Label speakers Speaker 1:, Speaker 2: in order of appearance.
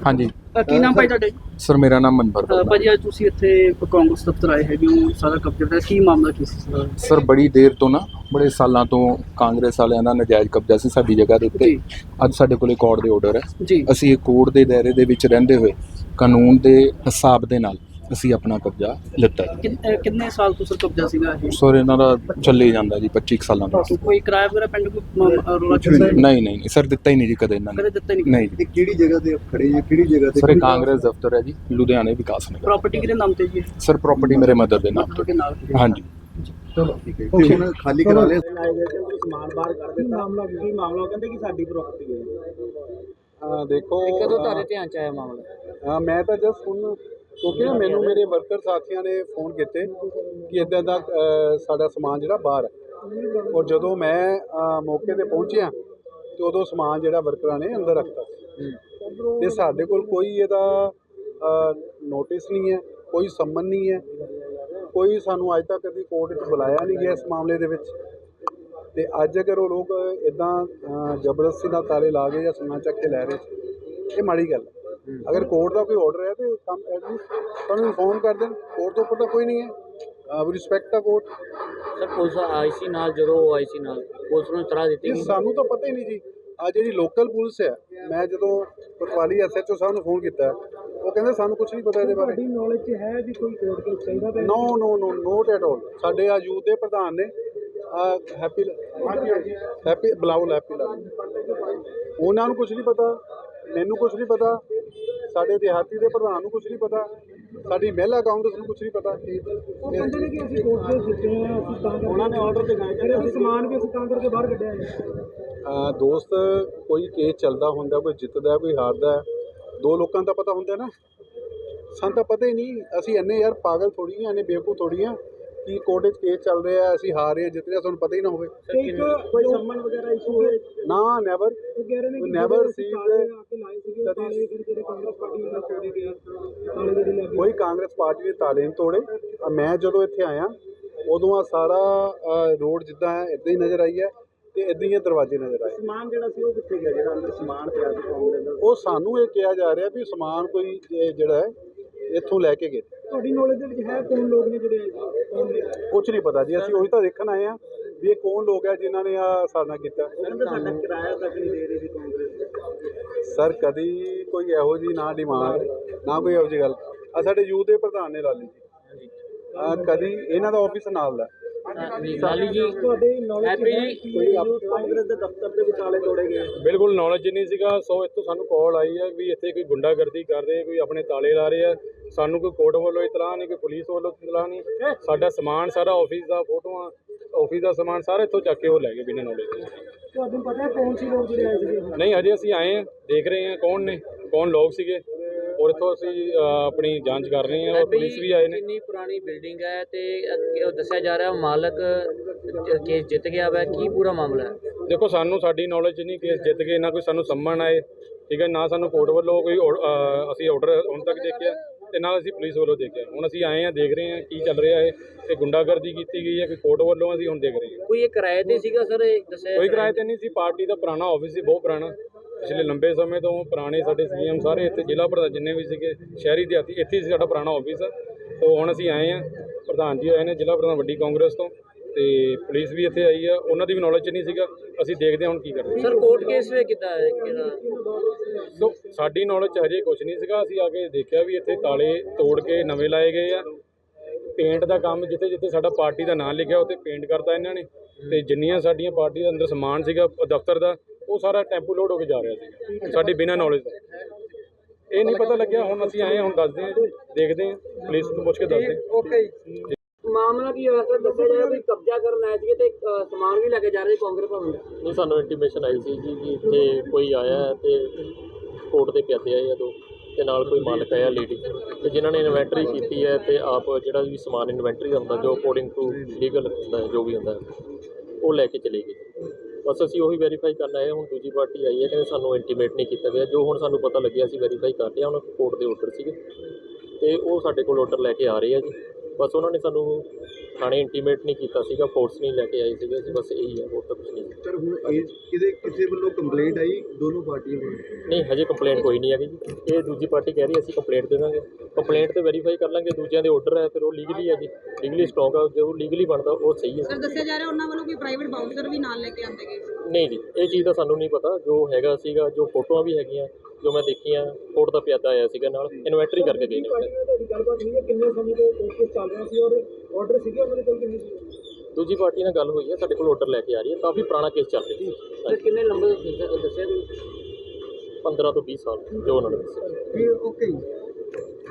Speaker 1: हाँ जी
Speaker 2: ਕੀ ਨਾਮ ਭਾਈ ਤੁਹਾਡੇ?
Speaker 1: सर, मेरा नाम मनभर वर्मा है।
Speaker 2: ਭਾਜੀ ਅੱਜ ਤੁਸੀਂ ਇੱਥੇ ਕਾਂਗਰਸ ਦਫ਼ਤਰ ਆਏ ਹੈਗੇ ਹੋ, ਸਾਰਾ ਕਬਜ਼ਾ ਦਾ ਕੀ ਮਾਮਲਾ ਕੀ ਸੀ?
Speaker 1: ਸਰ ਬੜੀ ਦੇਰ ਤੋਂ ਨਾ ਬੜੇ ਸਾਲਾਂ ਤੋਂ ਕਾਂਗਰਸ ਵਾਲਿਆਂ ਦਾ ਨਜਾਇਜ਼ ਕਬਜ਼ਾ ਸੀ ਸਾਡੀ ਜਗ੍ਹਾ ਦੇ ਉੱਤੇ।
Speaker 2: ਜੀ
Speaker 1: ਅੱਜ ਸਾਡੇ ਕੋਲੇ ਕੋਰਟ ਦੇ ਆਰਡਰ ਹੈ।
Speaker 2: ਜੀ
Speaker 1: ਅਸੀਂ ਇਹ ਕੋਰਟ ਦੇ ਦਾਇਰੇ ਦੇ ਵਿੱਚ ਰਹਿੰਦੇ ਹੋਏ ਕਾਨੂੰਨ ਦੇ ਹਿਸਾਬ ਦੇ ਨਾਲ ਅਸੀਂ ਆਪਣਾ ਕਬਜ਼ਾ ਲਿੱਤਾ ਜੀ।
Speaker 2: ਕਿੰਨੇ ਸਾਲ ਤੋਂ ਸਰ ਕਬਜ਼ਾ ਸੀਗਾ ਇਹ?
Speaker 1: ਸਰ ਇਹਨਾਂ ਦਾ ਚੱਲੇ ਹੀ ਜਾਂਦਾ ਜੀ 25 ਕੁ ਸਾਲਾਂ ਤੋਂ।
Speaker 2: ਕੋਈ ਕਿਰਾਇਆ ਵਗੈਰਾ ਪਿੰਡ ਕੋਈ ਰੋਲਾ ਚੱਲਦਾ
Speaker 1: ਨਹੀਂ ਸਰ, ਦਿੱਤਾ ਹੀ ਨਹੀਂ ਜੀ ਕਦੇ ਇਹਨਾਂ
Speaker 2: ਕਦੇ
Speaker 1: ਨੇ।
Speaker 2: ਦਿੱਤਾ ਨਹੀਂ?
Speaker 1: ਨਹੀਂ ਜੀ
Speaker 3: ਇਹ ਕਿਹੜੀ ਜਗ੍ਹਾ ਤੇ ਖੜੇ ਜੀ? ਕਿਹੜੀ ਜਗ੍ਹਾ ਤੇ?
Speaker 1: ਸਰ ਇਹ ਕਾਂਗਰਸ ਦਫ਼ਤਰ ਹੈ ਜੀ, ਲੁਧਿਆਣੇ ਵਿਕਾਸ ਨਗਰ।
Speaker 2: ਪ੍ਰਾਪਰਟੀ ਕਿਹਦੇ ਨਾਮ ਤੇ ਜੀ?
Speaker 1: ਸਰ ਪ੍ਰਾਪਰਟੀ ਮੇਰੇ ਮਦਰ ਦੇ ਨਾਮ
Speaker 2: ਤੁਹਾਡੇ ਨਾਲ
Speaker 1: ਤੇ। ਹਾਂਜੀ
Speaker 3: ਚਲੋ ਠੀਕ ਹੈ। ਤੇ ਹੁਣ ਖਾਲੀ ਕਰਾ ਲਿਆ?
Speaker 2: ਸਮਾਨ ਬਾਹਰ ਕਰ ਦਿੱਤਾ। ਮਾਮਲਾ ਕਹਿੰਦੇ ਕਿ ਸਾਡੀ ਪ੍ਰਾਪਰਟੀ ਹੈ।
Speaker 4: ਦੇਖੋ
Speaker 2: ਕਦੋਂ ਤੁਹਾਡੇ ਧਿਆਨ ਚ ਆਇਆ ਮਾਮਲਾ?
Speaker 4: ਮੈਂ ਤਾਂ ਜਸਟ ਹੁਣ ਕਿਉਂਕਿ ਨਾ ਮੈਨੂੰ ਮੇਰੇ ਵਰਕਰ ਸਾਥੀਆਂ ਨੇ ਫੋਨ ਕੀਤੇ ਕਿ ਇੱਦਾਂ ਦਾ ਸਾਡਾ ਸਮਾਨ ਜਿਹੜਾ ਬਾਹਰ ਹੈ, ਔਰ ਜਦੋਂ ਮੈਂ ਮੌਕੇ ਤੇ ਪਹੁੰਚਿਆ ਤੇ ਉਦੋਂ ਸਮਾਨ ਜਿਹੜਾ ਵਰਕਰਾਂ ਨੇ ਅੰਦਰ ਰੱਖਤਾ ਸੀ ਤੇ ਸਾਡੇ ਕੋਲ ਕੋਈ ਇਹਦਾ ਨੋਟਿਸ ਨਹੀਂ ਹੈ, ਕੋਈ ਸੰਮਨ ਨਹੀਂ ਹੈ, ਕੋਈ ਸਾਨੂੰ ਅੱਜ ਤੱਕ ਕਦੀ ਕੋਰਟ ਵਿੱਚ ਬੁਲਾਇਆ ਨਹੀਂ ਗਿਆ ਇਸ ਮਾਮਲੇ ਦੇ ਵਿੱਚ। ਤੇ ਅੱਜ ਅਗਰ ਉਹ ਲੋਕ ਇੱਦਾਂ ਜ਼ਬਰਦਸਤੀ ਨਾਲ ਤਾਲੇ ਲਾ ਕੇ ਜਾਂ ਸਮਾਨ ਚੱਕ ਕੇ ਲੈ ਰਹੇ ਇਹ ਮਾੜੀ ਗੱਲ ਹੈ। ਅਗਰ ਕੋਰਟ ਦਾ ਕੋਈ ਆਰਡਰ ਹੈ ਤੇ ਕੰਮ ਐਟਲੀਸਟ ਤੁਹਾਨੂੰ ਇਨਫੋਰਮ ਕਰ ਦੇਣ। ਕੋਰਟ ਤੋਂ ਉੱਪਰ ਤਾਂ ਕੋਈ ਨਹੀਂ ਹੈ। ਵੀ ਰਿਸਪੈਕਟ ਦਾ ਕੋਰਟ।
Speaker 5: ਸਰ ਪੁਲਿਸ ਆਈ ਸੀ ਨਾਲ, ਜਦੋਂ ਆਈ ਸੀ ਨਾਲ ਪੁਲਿਸ ਨੂੰ ਇਤਲਾਹ ਦਿੱਤੀ
Speaker 4: ਇਹ
Speaker 5: ਗਈ?
Speaker 4: ਸਾਨੂੰ ਤਾਂ ਪਤਾ ਹੀ ਨਹੀਂ ਜੀ। ਆ ਜਿਹੜੀ ਲੋਕਲ ਪੁਲਿਸ ਹੈ, ਮੈਂ ਜਦੋਂ ਕੋਤਵਾਲੀ ਐਸਐਚਓ ਸਾਹਿਬ ਨੂੰ ਫੋਨ ਕੀਤਾ ਉਹ ਕਹਿੰਦੇ ਸਾਨੂੰ ਕੁਝ ਨਹੀਂ ਪਤਾ ਇਹਦੇ ਬਾਰੇ।
Speaker 2: ਤੁਹਾਡੀ ਨੌਲੇਜ ਚ ਹੈ ਵੀ ਕੋਈ ਕੋਰਟ ਕੇਸ ਚਾਹੀਦਾ ਪਿਆ?
Speaker 4: No not at all. ਸਾਡੇ ਆ ਯੂਥ ਦੇ ਪ੍ਰਧਾਨ ਨੇ ਹੈਪੀ ਬਲਾਉਲ ਹੈਪੀ ਲਾ, ਉਹਨਾਂ ਨੂੰ ਕੁਝ ਨਹੀਂ ਪਤਾ, ਮੈਨੂੰ ਕੁਝ ਨਹੀਂ ਪਤਾ, ਸਾਡੇ ਦਿਹਾਤੀ ਦੇ ਪ੍ਰਧਾਨ ਨੂੰ ਕੁਝ ਨਹੀਂ ਪਤਾ, ਸਾਡੀ ਮਹਿਲਾ ਕਾਂਗਰਸ ਨੂੰ ਕੁਝ ਨਹੀਂ ਪਤਾ।
Speaker 2: ਉਹ ਕਹਿੰਦੇ ਨੇ ਕਿ ਅਸੀਂ ਕੋਰਟ ਦੇ ਦਿੱਤੇ ਆ, ਅਸੀਂ ਤਾਂ ਉਹਨਾਂ ਨੇ ਆਰਡਰ ਦਿਖਾਏ ਕਿ ਅਸੀਂ ਸਮਾਨ ਵੀ ਅਸੀਂ ਤਾਂ ਕਰਕੇ ਬਾਹਰ ਕੱਢਿਆ ਹੈ।
Speaker 4: ਦੋਸਤ ਕੋਈ ਕੇਸ ਚੱਲਦਾ ਹੁੰਦਾ, ਕੋਈ ਜਿੱਤਦਾ ਕੋਈ ਹਾਰਦਾ, ਦੋ ਲੋਕਾਂ ਦਾ ਪਤਾ ਹੁੰਦਾ ਨਾ, ਸਾਨੂੰ ਤਾਂ ਪਤਾ ਹੀ ਨਹੀਂ। ਅਸੀਂ ਇੰਨੇ ਯਾਰ ਪਾਗਲ ਥੋੜੀ ਆ, ਇੰਨੇ ਬੇਵਕੂਫ ਥੋੜੀ ਆ ਕਿ ਕੋਰਟ 'ਚ ਕੇਸ ਚੱਲ ਰਿਹਾ, ਅਸੀਂ ਹਾਰ ਰਹੇ, ਜਿੱਤ ਰਹੇ, ਸਾਨੂੰ ਪਤਾ ਹੀ ਨਾ ਹੋਵੇ।
Speaker 2: ਕੋਈ ਸੰਮਨ ਵਗੈਰਾ ਇਸ਼ੂ ਹੋਏ?
Speaker 4: ਨਾ ਨੈਵਰ ਨੈਵਰ ਸੀ। ਕੋਈ ਕਾਂਗਰਸ ਪਾਰਟੀ ਦੇ ਤਾਲੇ ਨਹੀਂ ਤੋੜੇ। ਮੈਂ ਜਦੋਂ ਇੱਥੇ ਆਇਆ ਉਦੋਂ ਆ ਸਾਰਾ ਰੋਡ ਜਿੱਦਾਂ ਹੈ ਇੱਦਾਂ ਹੀ ਨਜ਼ਰ ਆਈ ਹੈ ਤੇ ਇੱਦਾਂ ਹੀ ਦਰਵਾਜ਼ੇ ਨਜ਼ਰ ਆਏ।
Speaker 2: ਸਮਾਨ ਜਿਹੜਾ ਸੀ ਉਹ ਕਿੱਥੇ ਗਿਆ, ਜਿਹੜਾ ਅੰਦਰ ਸਮਾਨ ਪਿਆ ਸੀ ਕਾਂਗਰਸ ਦਾ?
Speaker 4: ਉਹ ਸਾਨੂੰ ਇਹ ਕਿਹਾ ਜਾ ਰਿਹਾ ਵੀ ਸਮਾਨ ਕੋਈ ਜਿਹੜਾ ਹੈ ਇੱਥੋਂ ਲੈ ਕੇ ਗਏ।
Speaker 2: ਤੁਹਾਡੀ ਨੌਲੇਜ ਦੇ ਵਿੱਚ ਹੈ ਕੌਣ ਲੋਕ ਨੇ ਜਿਹੜੇ ਆਏ ਸੀ? ਕੌਣ ਨੇ?
Speaker 4: ਕੁਝ ਨਹੀਂ ਪਤਾ ਜੀ, ਅਸੀਂ ਉਹੀ ਤਾਂ ਦੇਖਣ ਆਏ ਆ ਵੀ ਇਹ ਕੌਣ ਲੋਕ ਹੈ ਜਿਨ੍ਹਾਂ ਨੇ ਆ ਸਾਡਾ ਕੀਤਾ।
Speaker 2: ਕਹਿੰਦੇ ਸਾਡਾ ਕਿਰਾਇਆ ਤੱਕ ਨਹੀਂ ਦੇ ਰਹੀ ਸੀ ਕਾਂਗਰਸ।
Speaker 4: ਸਰ ਕਦੀ ਕੋਈ ਇਹੋ ਜੀ ਨਾ ਡਿਮਾਂਡ ਨਾ ਕੋਈ ਇਹੋ ਜਿਹੀ ਗੱਲ। ਆ ਸਾਡੇ ਯੂਥ ਦੇ ਪ੍ਰਧਾਨ ਨੇ ਲਾਲੀ ਜੀ, ਕਦੀ ਇਹਨਾਂ ਦਾ ਆਫਿਸ ਨਾਲ ਦਾ।
Speaker 5: ਲਾਲੀ ਜੀ
Speaker 2: ਤੁਹਾਡੇ ਨੌਲੇਜ
Speaker 5: ਹੈਪੀ ਜੀ
Speaker 2: ਕੋਈ ਕਾਂਗਰਸ ਦੇ ਦਫ਼ਤਰ ਦੇ ਵਿੱਚ ਤਾਲੇ ਤੋੜੇ ਗਏ?
Speaker 6: ਬਿਲਕੁਲ ਨੌਲੇਜ ਨਹੀਂ ਸੀਗਾ। ਸੋ ਇੱਥੋਂ ਸਾਨੂੰ ਕਾਲ ਆਈ ਹੈ ਵੀ ਇੱਥੇ ਕੋਈ ਗੁੰਡਾਗਰਦੀ ਕਰ ਰਹੇ, ਕੋਈ ਆਪਣੇ ਤਾਲੇ ਲਾ ਰਹੇ ਆ। ਸਾਨੂੰ ਕੋਈ ਕੋਰਟ ਵੱਲੋਂ ਇਤਲਾਹ ਨਹੀਂ, ਕੋਈ ਪੁਲਿਸ ਵੱਲੋਂ ਇਤਲਾਹ ਨਹੀਂ। ਸਾਡਾ ਸਮਾਨ ਸਾਰਾ ਆਫਿਸ ਦਾ, ਫੋਟੋਆਂ ਆਫਿਸ ਦਾ ਸਮਾਨ ਸਾਰਾ ਇੱਥੋਂ ਚੱਕ ਕੇ ਉਹ ਲੈ ਗਏ ਬਿਨਾਂ ਨੌਲੇਜ ਦੇ।
Speaker 2: ਤੁਹਾਨੂੰ ਪਤਾ ਹੈ ਕੌਣ ਸੀ ਲੋਕ ਜਿਹੜੇ ਆਏ ਸੀਗੇ?
Speaker 6: ਨਹੀਂ ਹਜੇ ਅਸੀਂ ਆਏ ਹਾਂ, ਦੇਖ ਰਹੇ ਹਾਂ ਕੌਣ ਨੇ, ਕੌਣ ਲੋਕ ਸੀਗੇ, ਔਰ ਇੱਥੋਂ ਅਸੀਂ ਆਪਣੀ ਜਾਂਚ ਕਰ ਰਹੇ ਹਾਂ, ਔਰ ਪੁਲਿਸ ਵੀ ਆਏ ਨੇ।
Speaker 5: ਕਿੰਨੀ ਪੁਰਾਣੀ ਬਿਲਡਿੰਗ ਹੈ ਤੇ ਉਹ ਦੱਸਿਆ ਜਾ ਰਿਹਾ ਮਾਲਕ ਕੇਸ ਜਿੱਤ ਗਿਆ ਵਾ, ਕੀ ਪੂਰਾ ਮਾਮਲਾ ਹੈ?
Speaker 6: ਦੇਖੋ ਸਾਨੂੰ ਸਾਡੀ ਨੌਲੇਜ ਨਹੀਂ ਕੇਸ ਜਿੱਤ ਗਏ, ਨਾ ਕੋਈ ਸਾਨੂੰ ਸੰਮਣ ਆਏ, ਠੀਕ ਹੈ, ਨਾ ਸਾਨੂੰ ਕੋਰਟ ਵੱਲੋਂ ਕੋਈ ਅਸੀਂ ਆਰਡਰ ਹੁਣ ਤੱਕ ਦੇਖਿਆ ਤੇ ਨਾਲ ਅਸੀਂ ਪੁਲਿਸ ਵੱਲੋਂ ਦੇਖਿਆ। ਹੁਣ ਅਸੀਂ ਆਏ ਹਾਂ, ਦੇਖ ਰਹੇ ਹਾਂ ਕੀ ਚੱਲ ਰਿਹਾ ਹੈ, ਤੇ ਗੁੰਡਾਗਰਦੀ ਕੀਤੀ ਗਈ ਹੈ ਕੋਈ ਕੋਰਟ ਵੱਲੋਂ, ਅਸੀਂ ਹੁਣ ਦੇਖ ਰਹੇ ਹਾਂ।
Speaker 5: ਕੋਈ ਇਹ ਕਿਰਾਏ ਤੇ ਸੀਗਾ ਸਰ? ਇਹ ਦੱਸਿਆ
Speaker 6: ਕੋਈ ਕਿਰਾਏ ਤੇ ਨਹੀਂ ਸੀ, ਪਾਰਟੀ ਦਾ ਪੁਰਾਣਾ ਆਫਿਸ ਸੀ, ਬਹੁਤ ਪੁਰਾਣਾ, ਪਿਛਲੇ ਲੰਬੇ ਸਮੇਂ ਤੋਂ ਪੁਰਾਣੇ ਸਾਡੇ ਸੀਐਮ ਸਾਰੇ ਇੱਥੇ, ਜ਼ਿਲ੍ਹਾ ਪ੍ਰਧਾਨ ਜਿੰਨੇ ਵੀ ਸੀਗੇ ਸ਼ਹਿਰੀ ਦਿਹਾਤੀ, ਇੱਥੇ ਸੀ ਸਾਡਾ ਪੁਰਾਣਾ ਆਫਿਸ। ਤੋਂ ਹੁਣ ਅਸੀਂ ਆਏ ਹਾਂ, ਪ੍ਰਧਾਨ ਜੀ ਆਏ ਨੇ ਜ਼ਿਲ੍ਹਾ ਪ੍ਰਧਾਨ ਵੱਡੀ ਕਾਂਗਰਸ ਤੋਂ, ਤੇ ਪੁਲਿਸ ਵੀ ਇੱਥੇ ਆਈ ਆ, ਉਹਨਾਂ ਦੀ ਵੀ ਨੌਲੇਜ ਨਹੀਂ ਸੀਗਾ। ਅਸੀਂ ਦੇਖਦੇ ਹਾਂ ਹੁਣ ਕੀ ਕਰਦੇ।
Speaker 5: ਸਰ ਕੋਰਟ ਕੇਸ ਵੇ ਕਿੱਦਾਂ ਹੈ?
Speaker 6: ਸੋ ਸਾਡੀ ਨੌਲੇਜ 'ਚ ਹਜੇ ਕੁਝ ਨਹੀਂ ਸੀਗਾ। ਅਸੀਂ ਆ ਕੇ ਦੇਖਿਆ ਵੀ ਇੱਥੇ ਤਾਲੇ ਤੋੜ ਕੇ ਨਵੇਂ ਲਾਏ ਗਏ ਆ। ਪੇਂਟ ਦਾ ਕੰਮ ਜਿੱਥੇ ਜਿੱਥੇ ਸਾਡਾ ਪਾਰਟੀ ਦਾ ਨਾਮ ਲਿਖਿਆ ਉੱਥੇ ਪੇਂਟ ਕਰਤਾ ਇਹਨਾਂ ਨੇ, ਤੇ ਜਿੰਨੀਆਂ ਸਾਡੀਆਂ ਪਾਰਟੀ ਦੇ ਅੰਦਰ ਸਮਾਨ ਸੀਗਾ ਦਫ਼ਤਰ ਦਾ ਉਹ ਸਾਰਾ ਟੈਂਪੂ ਲੋਡ ਹੋ ਕੇ ਜਾ ਰਿਹਾ ਸੀਗਾ ਸਾਡੀ ਬਿਨਾਂ ਨੌਲੇਜ ਦਾ। ਇਹ ਨਹੀਂ ਪਤਾ ਲੱਗਿਆ। ਹੁਣ ਅਸੀਂ ਆਏ ਹਾਂ, ਹੁਣ ਦੱਸਦੇ ਹਾਂ, ਦੇਖਦੇ ਹਾਂ, ਪੁਲਿਸ ਤੋਂ ਪੁੱਛ ਕੇ ਦੱਸਦੇ ਹਾਂ।
Speaker 5: ਓਕੇ ਮਾਮਲਾ ਕੀ ਹੋਇਆ ਸਰ? ਦੱਸਿਆ ਜਾ ਰਿਹਾ ਵੀ ਕਬਜ਼ਾ ਕਰਨ ਆਏ ਸੀਗੇ ਤੇ ਸਮਾਨ ਵੀ ਲੈ ਕੇ ਜਾ ਰਹੇ ਕਾਂਗਰਸ ਭਵਨ ਦਾ।
Speaker 7: ਨਹੀਂ, ਸਾਨੂੰ ਇੰਟੀਮੇਸ਼ਨ ਆਈ ਸੀ ਕਿ ਇੱਥੇ ਕੋਈ ਆਇਆ ਹੈ ਤੇ ਕੋਰਟ ਦੇ ਪਿਆਦੇ ਆਏ ਆ ਦੋ, ਤੇ ਨਾਲ ਕੋਈ ਮਾਲਕ ਆਇਆ ਲੇਡੀ, ਤੇ ਜਿਨ੍ਹਾਂ ਨੇ ਇਨਵੈਂਟਰੀ ਕੀਤੀ ਹੈ ਤੇ ਆਪ ਜਿਹੜਾ ਵੀ ਸਮਾਨ ਇਨਵੈਂਟਰੀ ਦਾ ਹੁੰਦਾ ਜੋ ਅਕੋਰਡਿੰਗ ਟੂ ਲੀਗਲ ਹੁੰਦਾ ਜੋ ਵੀ ਹੁੰਦਾ ਉਹ ਲੈ ਕੇ ਚਲੇ ਗਏ। ਬਸ ਅਸੀਂ ਉਹੀ ਵੈਰੀਫਾਈ ਕਰਨ ਆਏ। ਹੁਣ ਦੂਜੀ ਪਾਰਟੀ ਆਈ ਹੈ, ਕਹਿੰਦੇ ਸਾਨੂੰ ਇੰਟੀਮੇਟ ਨਹੀਂ ਕੀਤਾ ਗਿਆ। ਜੋ ਹੁਣ ਸਾਨੂੰ ਪਤਾ ਲੱਗਿਆ ਅਸੀਂ ਵੈਰੀਫਾਈ ਕਰ ਲਿਆ। ਉਹਨਾਂ ਕੋਰਟ ਦੇ ਆਰਡਰ ਸੀਗੇ ਤੇ ਉਹ ਸਾਡੇ ਕੋਲ ਆਰਡਰ ਲੈ ਕੇ ਆ ਰਹੇ ਆ ਜੀ। ਬਸ ਉਹਨਾਂ ਨੇ ਸਾਨੂੰ ਥਾਣੇ ਇੰਟੀਮੇਟ ਨਹੀਂ ਕੀਤਾ ਸੀਗਾ, ਫੋਰਸ ਨਹੀਂ ਲੈ ਕੇ ਆਏ ਸੀਗੇ ਅਸੀਂ, ਬਸ ਇਹੀ ਹੈ, ਹੋਰ ਤਾਂ ਕੁਝ ਨਹੀਂ।
Speaker 3: ਸਰ ਹੁਣ ਇਹ ਕਿਸੇ ਵੱਲੋਂ ਕੰਪਲੇਂਟ ਆਈ ਦੋਨੋਂ ਪਾਰਟੀਆਂ ਵੱਲੋਂ?
Speaker 7: ਨਹੀਂ, ਹਜੇ ਕੰਪਲੇਂਟ ਕੋਈ ਨਹੀਂ ਹੈਗੀ ਜੀ। ਇਹ ਦੂਜੀ ਪਾਰਟੀ ਕਹਿ ਰਹੀ ਅਸੀਂ ਕੰਪਲੇਂਟ ਦੇ ਦਾਂਗੇ, ਕੰਪਲੇਂਟ ਤੇ ਵੈਰੀਫਾਈ ਕਰ ਲਾਂਗੇ, ਦੂਜਿਆਂ ਦੇ ਆਰਡਰ ਹੈ ਫਿਰ ਉਹ ਲੀਗਲੀ ਹੈ ਜੀ, ਲੀਗਲੀ ਸਟਰੋਂਗ ਆ, ਜੋ ਲੀਗਲੀ ਬਣਦਾ ਉਹ ਸਹੀ ਹੈ।
Speaker 8: ਸਰ ਦੱਸਿਆ ਜਾ ਰਿਹਾ ਉਹਨਾਂ ਵੱਲੋਂ ਕੋਈ ਪ੍ਰਾਈਵੇਟ ਬਾਊਂਸਰ ਵੀ ਨਾਲ ਲੈ ਕੇ ਆਉਂਦੇ ਗਏ ਸੀ।
Speaker 7: ਨਹੀਂ ਜੀ, ਇਹ ਚੀਜ਼ ਦਾ ਸਾਨੂੰ ਨਹੀਂ ਪਤਾ, ਜੋ ਹੈਗਾ ਸੀਗਾ, ਜੋ ਫੋਟੋਆਂ ਵੀ ਹੈਗੀਆਂ ਜੋ ਮੈਂ ਦੇਖੀਆਂ, ਕੋਰਟ ਦਾ ਪਿਆਦਾ ਆਇਆ ਸੀਗਾ ਨਾਲ, ਇਨਵੈਂਟਰੀ ਕਰਕੇ ਗਏ ਨੇ।
Speaker 2: ਤੁਹਾਡੀ ਗੱਲਬਾਤ ਨਹੀਂ ਹੈ ਕਿੰਨੇ ਸਮੇਂ ਤੋਂ ਕੋਸ਼ਿਸ਼ ਚੱਲ ਰਿਹਾ ਸੀ ਔਰ ਆਰਡਰ ਸੀਗੇ ਉਹਨਾਂ ਦੇ ਕੋਲ ਕਿੰਨੇ ਸੀ?
Speaker 7: ਦੂਜੀ ਪਾਰਟੀ ਨਾਲ ਗੱਲ ਹੋਈ ਹੈ, ਸਾਡੇ ਕੋਲ ਆਰਡਰ ਲੈ ਕੇ ਆ ਰਹੀ ਹੈ, ਕਾਫੀ ਪੁਰਾਣਾ ਕੇਸ ਚੱਲ ਰਿਹਾ ਸੀ।
Speaker 5: ਕਿੰਨੇ ਲੰਬੇ ਦੱਸਿਆ
Speaker 7: 15 ਤੋਂ 20 ਸਾਲ ਜੋ ਉਹਨਾਂ ਨੇ ਦੱਸਿਆ।
Speaker 3: ਓਕੇ